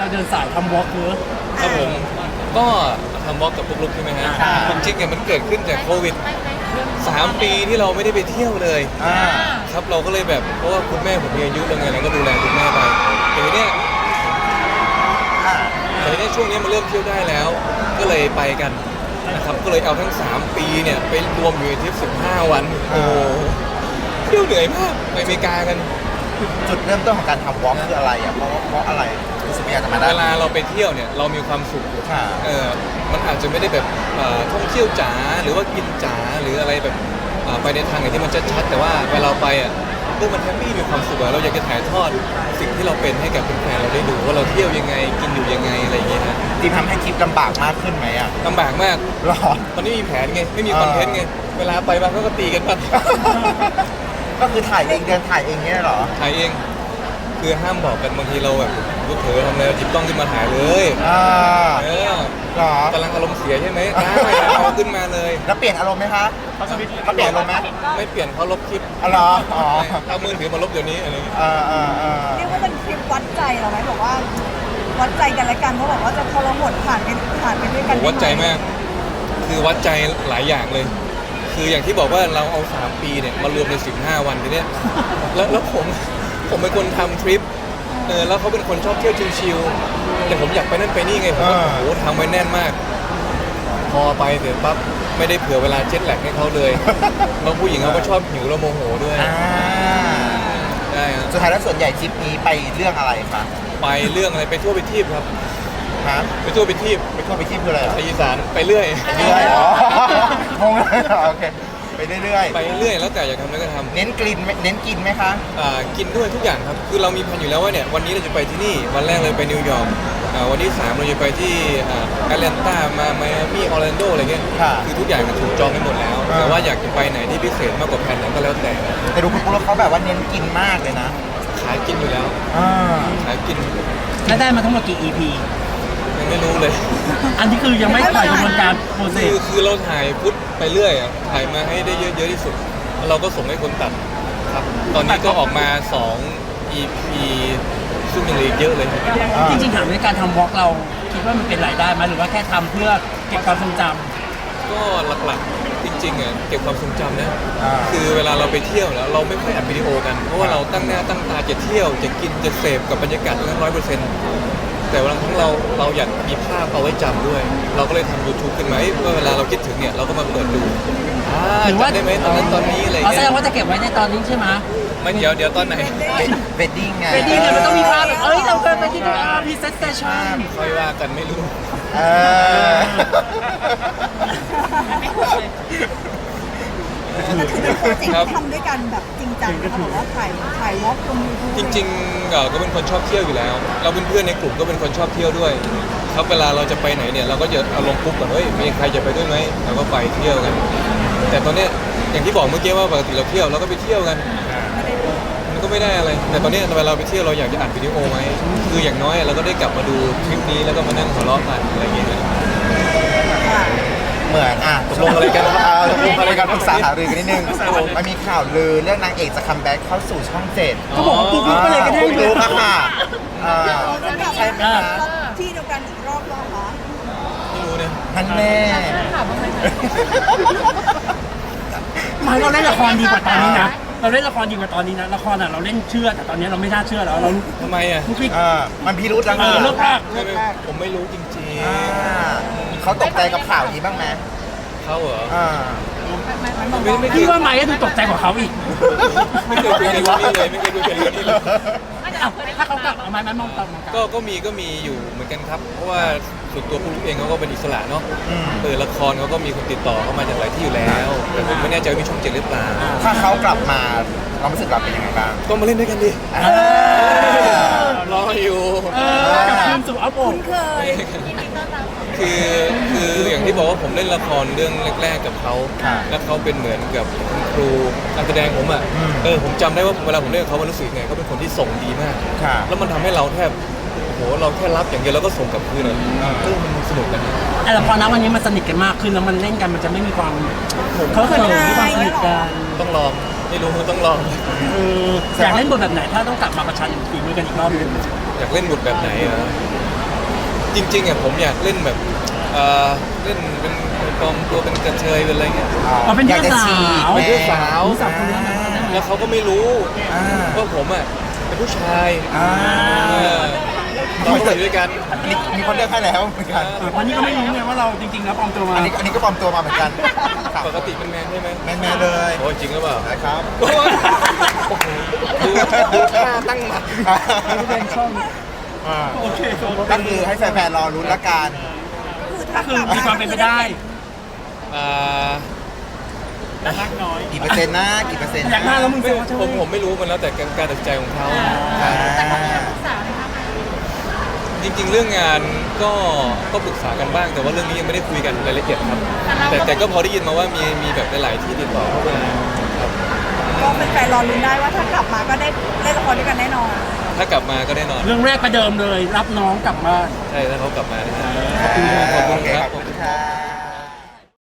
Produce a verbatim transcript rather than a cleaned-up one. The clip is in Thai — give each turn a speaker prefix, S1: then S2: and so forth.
S1: เดินสายทำวอล์กเนอะ
S2: ครับผมก็ทำวอล์กกับปุ๊กลุกใช่ไหมฮะจริงๆเนี่ยมันเกิดขึ้นจากโควิดสามปีที่เราไม่ได้ไปเที่ยวเลยครับเราก็เลยแบบเพราะว่าคุณแม่ผมมีอายุแล้วไงเราก็ดูแลคุณแม่ไปแต่ทีเนี้ยแต่ทีเนี้ยช่วงนี้มันเริ่มเที่ยวได้แล้ว ก็เลยไปกันนะครับก็เลยเอาทั้งสามปีเนี่ยไปรวมอยู่ในทริปสิบห้าวันโอ้เที่ยวเหนื่อยมากไปอเมริกากัน
S3: จุดเริ่มต้นของการทำวอล์กคืออะไรอ่ะเพราะเพราะอะไรรู้สึกอยากจะมาได้
S2: เวลาเราไปเที่ยวเนี่ยเรามีความสุขเออมันอาจจะไม่ได้แบบท่องเที่ยวจ๋าหรือว่ากินจ๋าหรืออะไรแบบไปในทางไหนที่มันชัดๆแต่ว่าเวลาไปอ่ะเรื่องมันแฮปปี้มีความสุขเราอยากจะถ่ายทอดสิ่งที่เราเป็นให้กับแฟนๆเราได้ดูว่าเราเที่ยวยังไงกินอยู่ยังไงอะไรอย่างเงี้ยนะ
S3: ที่ทำให้ทริปลำบากมากขึ้นไหมอ่ะ
S2: ลำบากมาก
S3: หรอ
S2: ตอนนี้มีแผนไงไม่มีคอนเทนต์ไงเวลาไปบางก็ตีกันบ้าง
S3: ก็คือถ่ายเองเดินถ่ายเองเนี่ยหรอ
S2: ถ่ายเองคือห้ามบอกกันบางทีเราแบบลูกเผลอทำอะไรจิบต้องขึ้นมาถ่ายเลย
S3: อ่า
S2: เออ
S3: หรอก
S2: ำลังอารมณ์เสียใช่ไหมได้เอาขึ้นมาเลย
S3: แล้วเปลี่ยนอารมณ์ไหมคะเขาเปลี่ยนอารมณ์ไหม
S2: ไม่เปลี่ยนเขาลบคลิป
S3: อ๋อเหรออ๋อ
S2: เอามือถือมาลบเดี๋ยวนี้อะไรอย่างเงี้ย
S3: อ่าอ่าอ่า
S4: เรียกว่าเป็นคลิปวัดใจเราไหมบอกว่าวัดใจกันและกันเพราะบอกว่าจะทรหดผ่านไปผ่านไปด้วยกัน
S2: วัดใจมากคือวัดใจหลายอย่างเลย คืออย่างที่บอกว่าเราเอาสามปีเนี่ยมารวมในสิบห้าวันทีเนี้ยแล้วแล้วผมผมเป็นคนทำทริปเออแล้วเขาเป็นคนชอบเที่ยวชิลๆแต่ผมอยากไปนั่นไปนี่ไงผมว่าโอ้โหทำไว้แน่นมากพอไปเสร็จปั๊บไม่ได้เผื่อเวลาเจ็ตแลกให้เขาเลยแล้วผู้หญิงเขาก็ชอบหิวแล้วโมโหด้วยใช่ครับ
S3: สุดท้ายแล้วส่วนใหญ่ทริปนี้ไปเรื่องอะไรคะ
S2: ไปเรื่องอะไรไปทั่วไปทีบครับ
S3: ฮะ
S2: ไปทั่วไปทีบ
S3: ไปทั่วไปทีบคืออะไร
S2: ไปอีสานไปเรื่อย
S3: เรื่อยอ๋องงเลยโอเคไปเรื่อย
S2: ๆไปเรื่อยแล้วแต่อยากทำอะไรก็ทำ
S3: เน้นกินเน้นกินไหมคะ
S2: อ่ากินด้วยทุกอย่างครับคือเรามีแผนอยู่แล้วว่าเนี่ยวันนี้เราจะไปที่นี่วันแรกเลยไปนิวยอร์กอ่าวันที่สามเราจะไปที่อ่าแอตแลนตามาไมอามี่ออร์แลนโดอะไรเงี้ยคือทุกอย่างถูกจองไปหมดแล้วแต่ว่าอยากจะไปไหนที่พิเศษมากกว่าแผนนั้นก็แล้วแต่
S3: แต่ดูคุณปุ๊กเขาแบบว่าเน้นกินมากเลยนะ
S2: ขายกินอยู่แล้วขายกิน
S1: แล้วได้มาทั้งหมดกี่ อี พี
S2: ยังไม่รู้เลย
S1: อันนี้คือยังไม่ถ่ายกระบวนการโปรเซส
S2: คือคือเราถ่ายพุทไปเรื่อยอ่ะถ่ายมาให้ได้เยอะๆที่สุดเราก็ส่งให้คนตัดครับตอนนี้ก็ออกมาสอง อี พี ซึ่งยังเหลืออีกเยอะเลย
S1: จริงๆถามในการทำวอล์กเราคิดว่ามันเป็นรายได้ไหมหรือว่าแค่ทำเพื่อเก็บความทรงจ
S2: ำก็หลักๆจริงๆอ่ะเก็บความทรงจำนะคือเวลาเราไปเที่ยวแล้วเราไม่ค่อยอัดวิดีโอกันเพราะว่าเราตั้งหน้าตั้งตาจะเที่ยวจะกินจะเสพกับบรรยากาศทั้งร้อยเปอร์เซ็นต์แต่วันทั้งเราเราอยากมีภาพเอาไว้จำด้วยเราก็เลยทำ ยูทูบ ขึ้นมาเมื่อเวลาเราคิดถึงเนี่ยเราก็มาเปิดดูจำได้ไหมตอนนั้นตอนนี้อะไรเงี้ย
S1: แสดงว่าจะเก็บไว้ในตอนนี้ใช่ไหม
S2: ไม่เดี๋ยวเดี๋ยวตอนไหน
S3: เวดดิ้งไง
S1: เวดดิ้งเนี่ยมันต้องมีภาพเอ้ยเราเคยไปที่ดูอาร์พีเซสเตชัน
S2: ค่อยว่ากันไม่รู้
S3: เออ
S4: แต่คือเป็นโปรเจกต์ที่ทำด้วยกันแบบจริงจังนะคะบอกว่าถ่ายถ่ายวอล์กลงยูทูบ
S2: จริงๆก็เป็นคนชอบเที่ยวอยู่แล้วเราเป็นเพื่อนในกลุ่มก็เป็นคนชอบเที่ยวด้วยครับเวลาเราจะไปไหนเนี่ยเราก็จะเอาลงปุ๊บก่อนเฮ้ยมีใครจะไปด้วยไหมเราก็ไปเที่ยวกันแต่ตอนนี้อย่างที่บอกเมื่อกี้ว่าปกติเราเที่ยวเราก็ไปเที่ยวกันมันก็ไม่ได้อะไรแต่ตอนนี้เวลาเราไปเที่ยวเราอยากจะอัดวิดีโอไหมคืออย่างน้อยเราก็ได้กลับมาดูคลิปนี้แล้วก็มานั่งหัวเราะกันอะไรอย่างเงี้ย
S3: เหมือนอ่ะ
S2: ตกลงอะไรกัน
S3: เอาตกลงอะไรกันปรึกษาหารือกันนิดนึงมันมีข่าวลือเรื่องนางเอกจะคัมแบ็กเข้าสู่ช่องเจ็ด
S1: เขาบอกว่าปุ๊กลุกไปเลยก็ได้
S3: ปุ๊กลุกอะค่ะใช่ไหมคะ
S4: ที่เดียวกันอีกรอบหรอคะ
S2: ไม่รู้เนี่ย
S3: ท่านแม่
S1: หมายเราเล่นละครดีกว่าตอนนี้นะเราเล่นละครดีกว่าตอนนี้นะละครอ่ะเราเล่นเชื่อแต่ตอนนี้เราไม่น่าเชื่อแล้วเรา
S2: ทำไมอ่ะ
S3: มันพิรุธแล้ว
S1: เออเลิกลาก
S2: ผมไม่รู้จริง
S3: ๆเขาตกใจกับข่าวนี้บ้างไหม
S2: เขาเหรอ
S1: พี่ว่าไมค์ก็ดูตกใจกว่าเขาอีก
S2: ไม่เคยคุยกันเลยไม่เคยคุยกันเรื่องนี้เลย
S1: ถ้าเขากลับเอาไม้มองตาม
S2: ก็ก็มีก็มีอยู่เหมือนกันครับเพราะว่าส่วนตัวผู้รู้เองเขาก็เป็นอิสระเนาะเออละครเขาก็มีคนติดต่อเข้ามาจากหลายที่อยู่แล้วแต่ผมไม่แน่ใจว่ามีช่องเจ็ดหรือเปล่า
S3: ถ้าเขากลับมาความรู้สึกเราเป็นยังไงบ้าง
S2: ก็มาเล่นด้วยกันดิรออยู่
S1: กับทีมสู่อัพโอ
S4: เคย
S2: คือคืออย่างที่บอกว่าผมเล่นละครเรื่องแรกๆกับเขาแล้วเขาเป็นเหมือนกับคุณครูการแสดงผมอ่ะเออผมจำได้ว่าเวลาผมเล่นกับเขามันรู้สึกไงเขาเป็นคนที่ส่งดีมากแล้วมันทำให้เราแทบโอ้โหเราแค่รับอย่างเดียวแล้วก็ส่งกลับคืนเลยเออมันสนุกกัน
S1: แต่ละครนะวันนี้มันสนิทกันมากขึ้นแล้วมันเล่นกันมันจะไม่มีความเขาเคยมีความสนิทกัน
S2: ต้องลองไม่รู้ต้องลอง
S1: อยากเล่นบทแบบไหนถ้าต้องกลับมาประชันฝีมือกันอีกรอบนึง
S2: อยากเล่นบทแบบไหนอ่ะจริงๆอ่ะผมอยากเล่นแบบเอ่อเล่นเป็นปลอมตัวเป็นกระเทยเป็นอะไรเงี้ย
S1: เราเป็น
S3: อยาก
S1: เพื่
S3: จะ
S1: อนสา
S3: ฉีก
S1: ว
S3: แม่
S2: เพื่อนสาว
S1: รู้จักคนนี้ไหม
S2: แล้วเขาก็ไม่รู้
S3: อ่า
S2: ว่าผมอ่ะเป็นผู้ชาย
S3: อ่า
S2: เออเราก็อยู่ด้วยกัน
S3: อันนี้มีคนเลือกให้แล้วเหมือนกัน
S1: เออวันนี้ก็ไม่รู้ไงว่าเราจริงๆแล้วปลอมตัวมา
S3: อันนี้อันนี้ก็ปลอมตัวมาเหมือนกันครับ
S2: ปกติเป็นแมนใช่ไหม
S3: แม่แม่ๆเลย
S2: โอ้จริงหรือเปล่า
S3: นะครับ
S2: โอ้ยโอ้โหดูดูท่าตั้งหมัด
S1: ไม่เป็นช่อง
S3: อ่า
S1: โอเคโอ
S3: ก็
S1: เค
S3: คือให้แฟนๆรอรุ้นละกัน
S1: ก็คือมีความเป็นไปได้
S2: อ่า
S1: รักน้อย
S3: กี่เปอร์เซ็นต์นะกี่เปอร์เซ็นต์
S1: อยากหน้าแล้วมึง
S2: ไม่
S1: เซลว่าใช่ไห
S2: ผม มผมไม่รู้มันแล้วแต่การตัดสินใจของเขา
S3: อ่า
S2: จริงๆ เรื่องงานก็ก็ปรึกษากันบ้าง แต่ว่าเรื่องนี้ยังไม่ได้คุยกันรายละเอียดครับ แต่แต่ก็พอได้ยินมาว่ามีมีแบบหลายๆที่ติดต่อเข้ามาครับ
S4: ก็เป็นแฟนรอลุ้นได้ว่าถ้ากลับมาก็ได้เล่นละครด้วยกันแน่นอน
S2: ถ้ากลับมาก็แน่นอน
S1: เรื่องแรกประเดิมเลย รับน้องกลับบ้าน
S2: ใช่ถ้าเขากลับมาแน่นอน